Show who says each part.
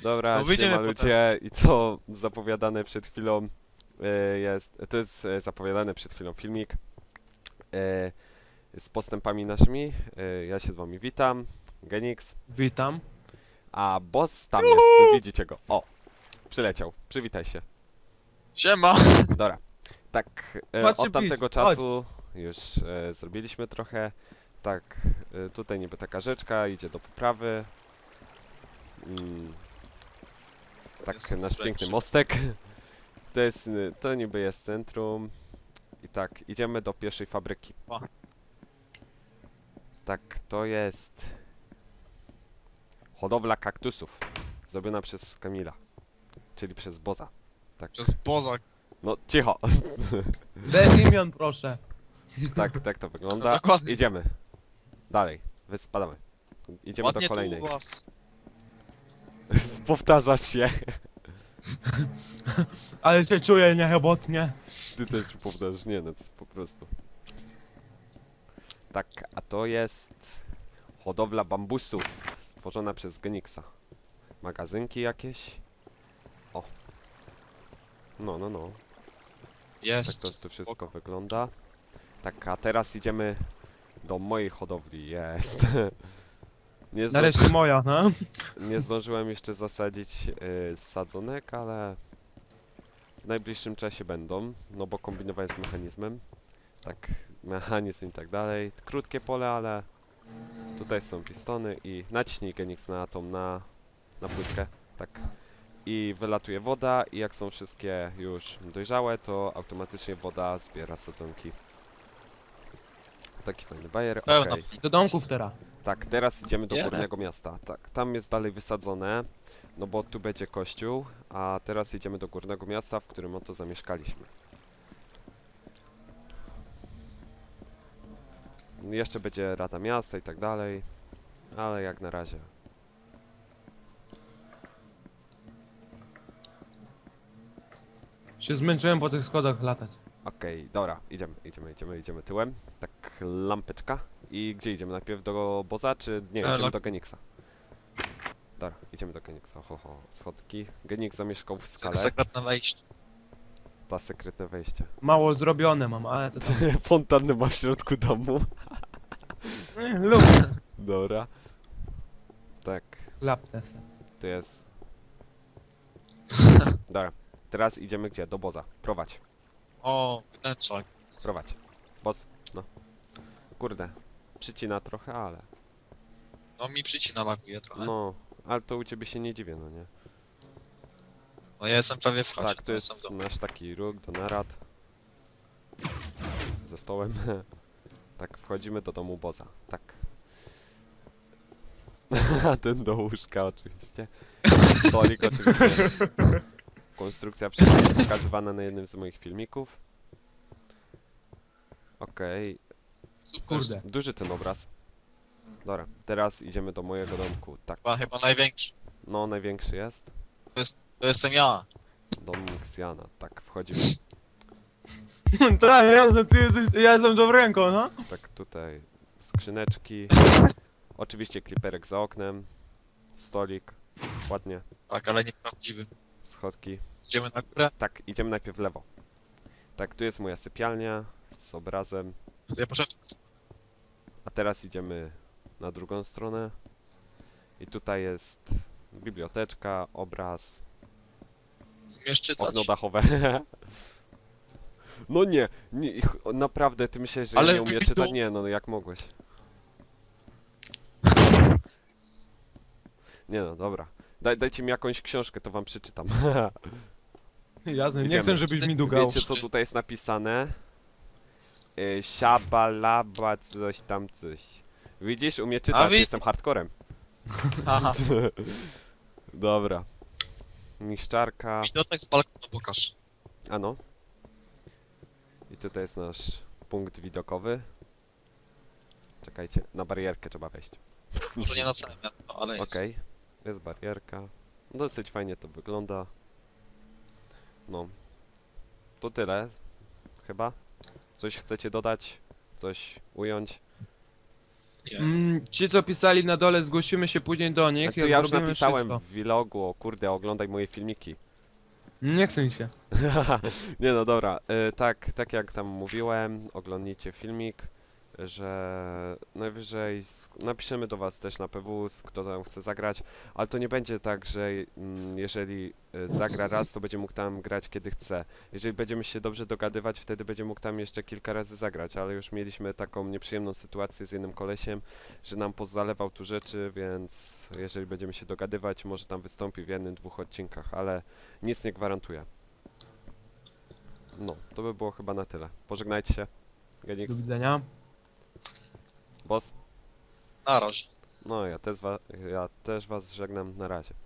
Speaker 1: Dobra,
Speaker 2: No wyjdziemy
Speaker 1: siema
Speaker 2: potem.
Speaker 1: ludzie i co zapowiadane przed chwilą to jest zapowiadany przed chwilą filmik z postępami naszymi. Ja się z wami witam, Genix,
Speaker 3: Witam.
Speaker 1: a boss tam jest, widzicie go. O, przyleciał, przywitaj się.
Speaker 2: Siema!
Speaker 1: Dobra, tak,
Speaker 3: Chodźcie
Speaker 1: od tamtego
Speaker 3: pić,
Speaker 1: czasu już zrobiliśmy trochę. Tak, tutaj niby taka rzeczka, idzie do poprawy. Tak,
Speaker 2: Jestem
Speaker 1: nasz piękny
Speaker 2: lepszy.
Speaker 1: mostek. To niby jest centrum. I tak, idziemy do pierwszej fabryki.
Speaker 2: O.
Speaker 1: Tak, to jest hodowla kaktusów. Zrobiona przez Kamila. Czyli przez Boza. Tak.
Speaker 2: Przez Bozak.
Speaker 1: No, cicho.
Speaker 3: Bez imion, proszę.
Speaker 1: Tak to wygląda.
Speaker 2: No, dokładnie.
Speaker 1: Idziemy. Dalej. Spadamy. Idziemy
Speaker 2: Ładnie
Speaker 1: do kolejnej.
Speaker 2: tu u was.
Speaker 1: Powtarzasz się.
Speaker 3: Ale się czuję niechybotnie.
Speaker 1: Ty też powtarzasz. Nie, no to jest po prostu. Tak, a to jest hodowla bambusów stworzona przez Genixa. Magazynki jakieś. O. No. Tak
Speaker 2: Jest.
Speaker 1: to wszystko
Speaker 2: Spoko.
Speaker 1: wygląda. Tak, a teraz idziemy do mojej hodowli. Jest.
Speaker 3: Nareszcie moja, no.
Speaker 1: Nie zdążyłem jeszcze zasadzić sadzonek, ale w najbliższym czasie będą, no bo kombinować z mechanizmem. Tak, mechanizm i tak dalej. Krótkie pole, ale tutaj są pistony i naciśnij Genix na płytkę. Tak. I wylatuje woda i jak są wszystkie już dojrzałe, to automatycznie woda zbiera sadzonki. Taki fajny bajer,
Speaker 2: Pełno.
Speaker 1: okej.
Speaker 3: Do domków teraz.
Speaker 1: Tak, teraz idziemy do
Speaker 2: Nie.
Speaker 1: górnego miasta. Tak, tam jest dalej wysadzone, no bo tu będzie kościół, a teraz idziemy do górnego miasta, w którym oto zamieszkaliśmy. Jeszcze będzie Rada Miasta i tak dalej, ale jak na razie.
Speaker 3: Się zmęczyłem po tych schodach latać.
Speaker 1: Okej, dobra, idziemy tyłem. Tak, lampeczka. I gdzie idziemy? Najpierw do Boza, czy nie, idziemy do Genixa? Dobra, idziemy do Genixa, schodki. Genix zamieszkał w skale,
Speaker 2: Sekretne wejście.
Speaker 1: ta sekretne wejście.
Speaker 3: Mało zrobione mam, ale to tam.
Speaker 1: Fontannę ma w środku domu.
Speaker 3: Lubię.
Speaker 1: Dobra. Tak,
Speaker 3: Klapnę se.
Speaker 1: to jest. Dobra, teraz idziemy gdzie? Do Boza. Prowadź,
Speaker 2: O, wnętrzak.
Speaker 1: prowadź. Boz, no. Kurde, przycina trochę, ale.
Speaker 2: No mi przycina laguje trochę.
Speaker 1: No, ale to u ciebie się nie dziwię, no nie?
Speaker 2: No ja jestem prawie w chacie.
Speaker 1: Tak, to
Speaker 2: ja jestem
Speaker 1: jest
Speaker 2: w domu.
Speaker 1: nasz taki róg do narad. Ze stołem. Tak, wchodzimy do domu Boza. Tak. Ten do łóżka oczywiście. Stolik oczywiście. Konstrukcja wcześniej pokazywana na jednym z moich filmików. Okej,
Speaker 2: Super.
Speaker 3: Kurde.
Speaker 1: duży ten obraz. Dobra, teraz idziemy do mojego domku. Tak,
Speaker 2: Chyba największy.
Speaker 1: no największy jest.
Speaker 2: To jestem ja.
Speaker 1: Dom Xiana. Tak, wchodzimy.
Speaker 3: Tak, ja jestem dobręką, no.
Speaker 1: Tak, tutaj skrzyneczki. Oczywiście kliperek za oknem. Stolik. Ładnie.
Speaker 2: Tak, ale nieprawdziwy.
Speaker 1: Schodki.
Speaker 2: Idziemy na górę.
Speaker 1: Tak, idziemy najpierw w lewo. Tak, tu jest moja sypialnia z obrazem.
Speaker 2: To ja poszedłem.
Speaker 1: A teraz idziemy na drugą stronę. I tutaj jest biblioteczka, obraz,
Speaker 2: Umiesz czytać?
Speaker 1: okno dachowe. No nie, naprawdę, ty myślisz, że ja
Speaker 2: Ale
Speaker 1: nie umiem
Speaker 2: tu-
Speaker 1: czytać? Nie, no jak mogłeś? Nie no, dobra. Dajcie mi jakąś książkę, to wam przeczytam.
Speaker 3: Jasne, nie
Speaker 1: Idziemy.
Speaker 3: chcę, żebyś mi dugał.
Speaker 1: Wiecie co tutaj jest napisane? Siabalaba coś tam coś. Widzisz, umie czytać,
Speaker 2: wi-
Speaker 1: jestem hardcorem.
Speaker 2: Aha.
Speaker 1: Dobra. Niszczarka.
Speaker 2: Widok z balkonu pokaż.
Speaker 1: Ano. I tutaj jest nasz punkt widokowy. Czekajcie, na barierkę trzeba wejść.
Speaker 2: Może nie na całym miasto, ale jest.
Speaker 1: Okej, jest barierka. Dosyć fajnie to wygląda. No. To tyle. Chyba. Coś chcecie dodać? Coś ująć?
Speaker 2: Nie.
Speaker 3: Ci co pisali na dole, zgłosimy się później do
Speaker 1: A
Speaker 3: nich.
Speaker 1: to
Speaker 3: jak
Speaker 1: ja już
Speaker 3: zrobimy
Speaker 1: napisałem
Speaker 3: wszystko.
Speaker 1: w vlogu, o kurde, oglądaj moje filmiki.
Speaker 3: Nie chcę mi się.
Speaker 1: Nie no dobra, tak jak tam mówiłem, oglądnijcie filmik, że najwyżej napiszemy do was też na PW, kto tam chce zagrać, ale to nie będzie tak, że jeżeli zagra raz, to będzie mógł tam grać kiedy chce. Jeżeli będziemy się dobrze dogadywać, wtedy będzie mógł tam jeszcze kilka razy zagrać, ale już mieliśmy taką nieprzyjemną sytuację z jednym kolesiem, że nam pozalewał tu rzeczy, więc jeżeli będziemy się dogadywać, może tam wystąpi w jednym, dwóch odcinkach, ale nic nie gwarantuję. No, to by było chyba na tyle. Pożegnajcie się. Genix,
Speaker 3: Do widzenia.
Speaker 1: boss.
Speaker 2: Na razie.
Speaker 1: No, ja też was żegnam. Na razie.